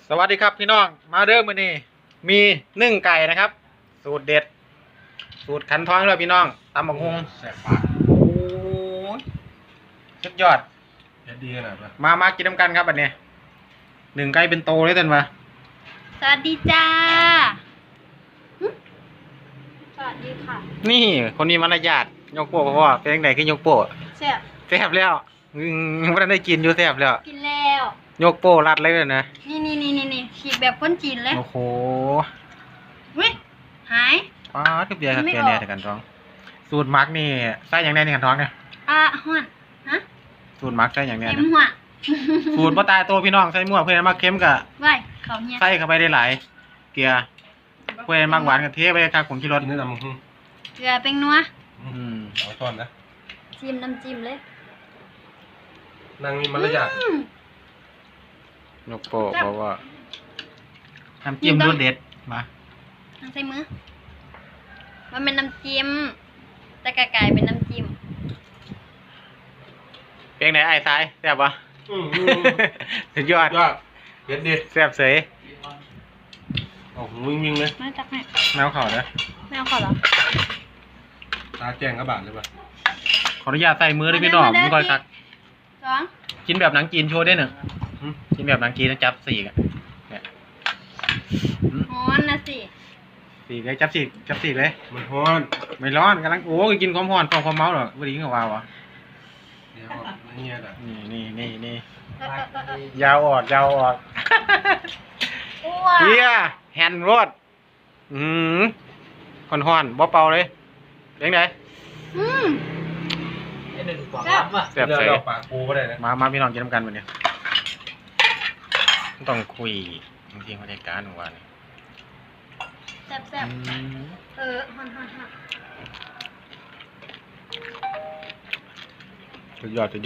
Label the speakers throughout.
Speaker 1: สวัสดีครับพี่น้องมาเริ่มมื้อนี้มีนึ่งไก่นะครับสูตรเด็ดสูตรขันท้องเลยพี่น้องตำบักฮุง
Speaker 2: แสบปาก
Speaker 1: โอ้ยสุดยอด
Speaker 2: เผ็ดดีขนาดนั้น
Speaker 1: มากินน้ำกันครับอันนี้หนึ่งไก่เป็นโตเลยท่านวะ
Speaker 3: สวัสดีจ้าสวัสดีค่ะ
Speaker 1: นี่คนนี้มารยาทยกโป้เพราะว่าเป็นยังไงคือยกโป้
Speaker 3: แซ่บ
Speaker 1: แซ่บแล้วไม่ได้กินอยู่แซ่บแล้ว
Speaker 3: กินแล้ว
Speaker 1: ยกโป้รัดเลยนะ
Speaker 3: นี่ฉีกแบบคนจีนเลย
Speaker 1: โอ้โห
Speaker 3: เว้ยหาย
Speaker 1: ป้าทุกเบียร์ครับ
Speaker 3: ไม่
Speaker 1: เบีย
Speaker 3: อ
Speaker 1: ร์
Speaker 3: อก
Speaker 1: เนี่ยแต่กันท้อง สูตรมักนี่ใส่อย่างแน่ในกันท้องเนี่ย
Speaker 3: ห้วนฮะ
Speaker 1: สูตรมักใส่อย่างแน่
Speaker 3: เต็ม
Speaker 1: นะ
Speaker 3: หัว
Speaker 1: สูตรบ่ตายตัวพี่น้องใส่มั่วเพื่อนมาเค็มกับ
Speaker 3: ไว้เขาเนี่ย
Speaker 1: ใส่เข้าไปได้หลายเกลือเพื่อนมากหวานกับเทไปครับผมที่รส
Speaker 2: กินได้ตำบักหุ่ง
Speaker 3: เกลือเป็นนัว
Speaker 2: เอาช้อนนะ
Speaker 3: จิ้มน้ำจิ้มเลย
Speaker 2: นางมีมารยาท
Speaker 1: นกโป้เพราะว่าน้ำจิ้มรสเด็ดมา
Speaker 3: ใส่มือมันเป็นน้ำจิ้มแต่กระไก่เป็นน้ำจิ้ม
Speaker 1: เพลงไหนไอ้ซ้ายแซ่บปะสุดยอด
Speaker 2: ยอดเผ็ดดี
Speaker 1: แซ่บเสย
Speaker 2: โอ้โหวิ่งเลย
Speaker 3: ไม่ตักให้
Speaker 1: แมวเขาเด้อ
Speaker 3: ไม่เอาขอเหรอ
Speaker 2: ตาแจ้งกระบาดเลยป่ะ
Speaker 1: ขออนุญาตใส่มือด้วยพี่น้องไม่ค่อยคัก
Speaker 3: สอง
Speaker 1: กินแบบหนังจีนโชว์ได้หนึ่งกินแบบหนังจีนนะจับสี่กันเนี่ย
Speaker 3: ฮ้อนนะสิ
Speaker 1: สี่เลยจับสี่เลย
Speaker 2: มันฮ้อน
Speaker 1: ไม่ร้อนกำลังโอ้ยกินความร้อนความเมาหรอวันนี้ก็ว้าวอ่ะ
Speaker 2: เดี๋ยวเงี้ยอ่ะ
Speaker 1: นี่
Speaker 3: เออ
Speaker 1: ยาวออก
Speaker 3: อ้ว
Speaker 1: เฮียแฮนด์รดฮ้อนบ่เป่าเลยเลี้ยงได
Speaker 3: อืม
Speaker 1: แซ่บ
Speaker 2: เดี๋ยว
Speaker 1: เสย
Speaker 2: เราปากปูก็ได้นะ
Speaker 1: มาพี่น้องกินน้ำกันวันนี้ต้องคุยจริงๆบรรยากาศของวันนี้
Speaker 3: แซ่บฮอน
Speaker 1: สุดยอด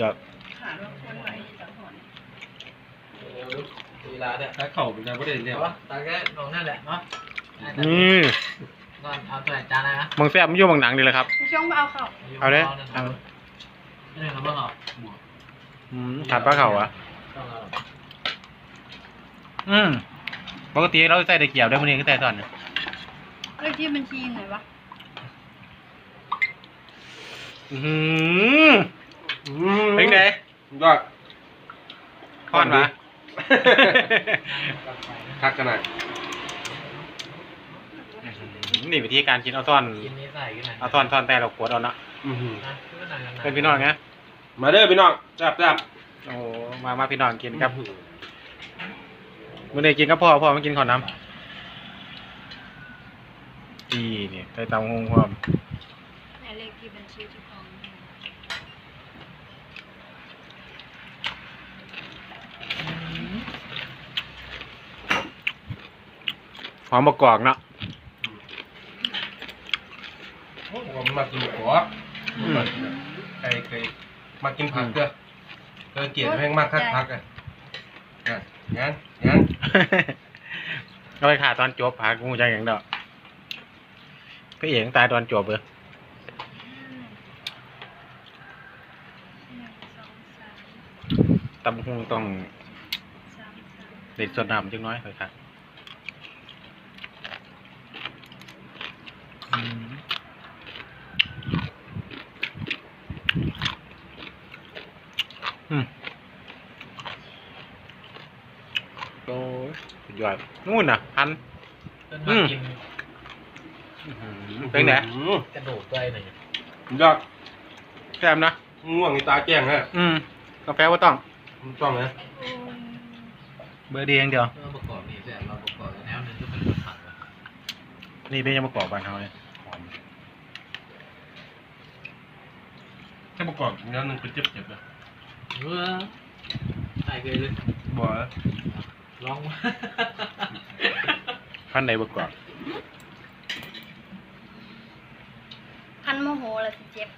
Speaker 4: เวลาเนี่ย
Speaker 2: ถ้าเข่าเป็นการไม่ได้เรียก
Speaker 4: แต่ว่าตอนแรกลงนั่นแหละเนาะ
Speaker 1: นี่
Speaker 4: นอนเอาตัวไหนจานนะ
Speaker 1: มึงแซ่บมันอยู่บางหนังดีเลยครับ
Speaker 3: ช่วงไปเอาเข้า
Speaker 1: เอาเลยเอา
Speaker 4: ไม่ได้เราบ้างเหรอ
Speaker 1: ถัดปลาเข่าอ่ะ
Speaker 4: ต้องเอา
Speaker 1: ปกติเราใส่ตะเกียบได้มื้อนี้ก็ใส่ตอนนี้
Speaker 3: เลขที่บัญชีไหนวะ
Speaker 1: เป็นไง
Speaker 2: ยอด
Speaker 1: ฮ้อนปะ
Speaker 2: คักกันหน่อย
Speaker 1: นี่วิธีการกินเอาซ่อน
Speaker 4: กินนี้ใส่กันหน่อย
Speaker 1: เอาซ่อนแต่เราขวดเอานะ
Speaker 4: นะก็หน่อย
Speaker 1: เป็นพี่น้องไง
Speaker 2: มาเด้อพี่น้องจับ
Speaker 1: โอ้มาพี่น้องกินครับมื้อนี้กินกับพ่อมากินข้าวน้ำนี่ใส่เตาหงความ
Speaker 3: ไหนเลขที่บัญชีที่ของ
Speaker 1: หอมประกอบเนาะ
Speaker 2: ผมมากินหัวใครเคยมากินผักเด้อเกลียดแม่งมากคักผักอ่ะงั้น
Speaker 1: เอาไปขาตอนจบพากูจังอย่างเดอกพี่เอกตายตอนจบเลย
Speaker 3: 1 2 3
Speaker 1: ตำบักหุ่งต้อง
Speaker 3: 3
Speaker 1: เด็ดสดน้ำจังน้อยเลยครับโอ้ยสุดยอดนู่นน่ะพัน
Speaker 4: ต้นมากิน
Speaker 1: เป็นไง
Speaker 4: กระโดดด้วยหน่อย
Speaker 2: ยอด
Speaker 1: แซ่บนะ
Speaker 2: ง่วงในตาแจ้งฮะ
Speaker 1: กาแฟว่าต้อง
Speaker 2: ต้องนะ
Speaker 1: เบอร์ดีอย่างเดียว
Speaker 4: เมื่อประกอบนี่แต่เราประกอบแนวนึงก็เป็นผักว่ะ
Speaker 1: นี่เป็นยังประกอบบ้านเขาเลยหอม
Speaker 2: ถ้าประกอบแล้วนึงเป็นเจ็บเลย
Speaker 4: ใส่เลย
Speaker 2: บ่
Speaker 4: ลอง
Speaker 1: พันใดประกอบ
Speaker 3: พันโมโหเลยสิเจ็บ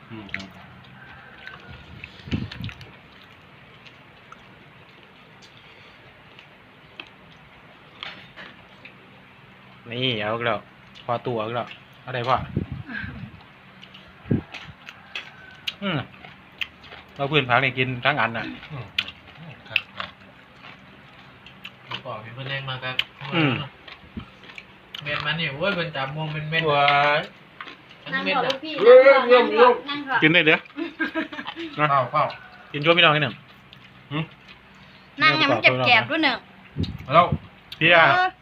Speaker 1: นี่เอาแล้วพอตัวแล้วเอาได้พ่อเราเพื่อนพักนี่กินทั้งอันน่ะ
Speaker 2: ครับ
Speaker 4: ประกอบเป็นเพื่อนแรงมากครับเม็ดมันนี่โว้ยเป็นจับมวงเป็นเม็ด
Speaker 2: ว้าย
Speaker 3: นั่ง
Speaker 4: เม็ด
Speaker 3: ขอ
Speaker 4: อะ
Speaker 3: ลูกพี่นั่งขอนั่งขอ
Speaker 1: กินได้เด้อ
Speaker 2: ข้าวข้าว
Speaker 1: กินช่วยพี่น้องนิดหนึ่ง
Speaker 3: นั่งให้มันแกบๆด้วยหนึ่ง
Speaker 2: แล้ว
Speaker 1: พี่อะ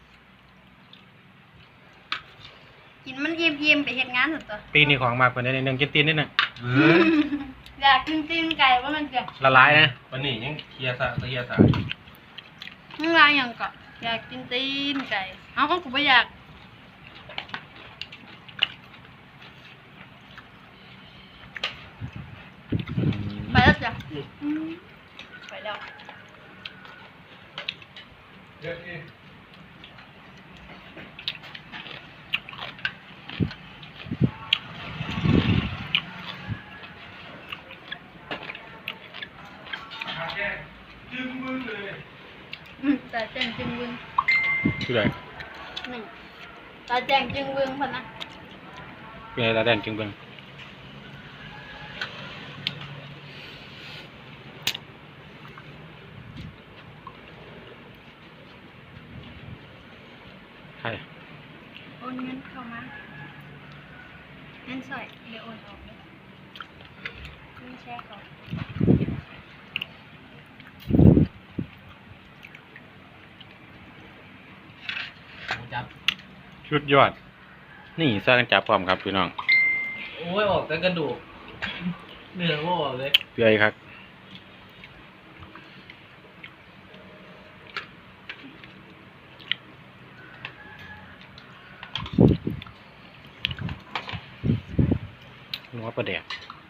Speaker 3: กินมันยิ้มๆไปเฮ็ดงานสุดตัว
Speaker 1: ตีนี่ของมากกว่านี้นิดหนึ่งกินตีนนิดหนึ่ง
Speaker 3: อยากกินตีนไก่ว่ามันจะ
Speaker 1: ละลายนะ
Speaker 2: วันนี้ยังเคลียร์ซะเคลียร์ซะ
Speaker 3: มึงลายอย่างก่อนอยากกินตีนไก่เอาก็กูไม่อยากไปแล้วจ้ะไปแล้ว
Speaker 2: เดี๋ยวอีจึงมือเลย
Speaker 3: แต่แจงจึงวึง
Speaker 1: คือไร
Speaker 3: หนึ่งตาแจงจึงวึงพอนะ
Speaker 1: เป็นอะไรตาแดงจึงเบิ่งใคร
Speaker 3: โอนเงินเข้ามาเงินสอยเดี๋ยวโอนออกเลยเงินแชร์เขา
Speaker 4: หมูจับ
Speaker 1: ชุดยอด นี่สร้างจับพร้อมครับพี่น้อง
Speaker 4: โอ้ยออกแต่กระดูกเนื้อก็ออกเลย
Speaker 1: เปื่อยครับนัวประเดี๋ยว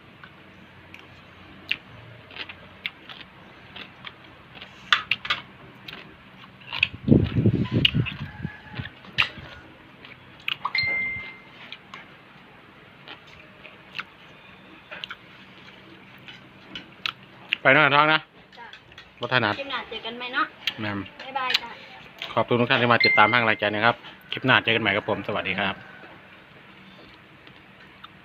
Speaker 1: ไปนอนท้องนะ
Speaker 3: จ้ะ
Speaker 1: วัฒนัด
Speaker 3: คลิปหน้าเจอกันไหมเนาะ
Speaker 1: แมม
Speaker 3: บ๊ายบายจ้ะ
Speaker 1: ขอบคุณทุกท่านที่มาติดตามห้างรายการนะครับ คลิปหน้าเจอกันใหม่กับผม สวัสดีครับ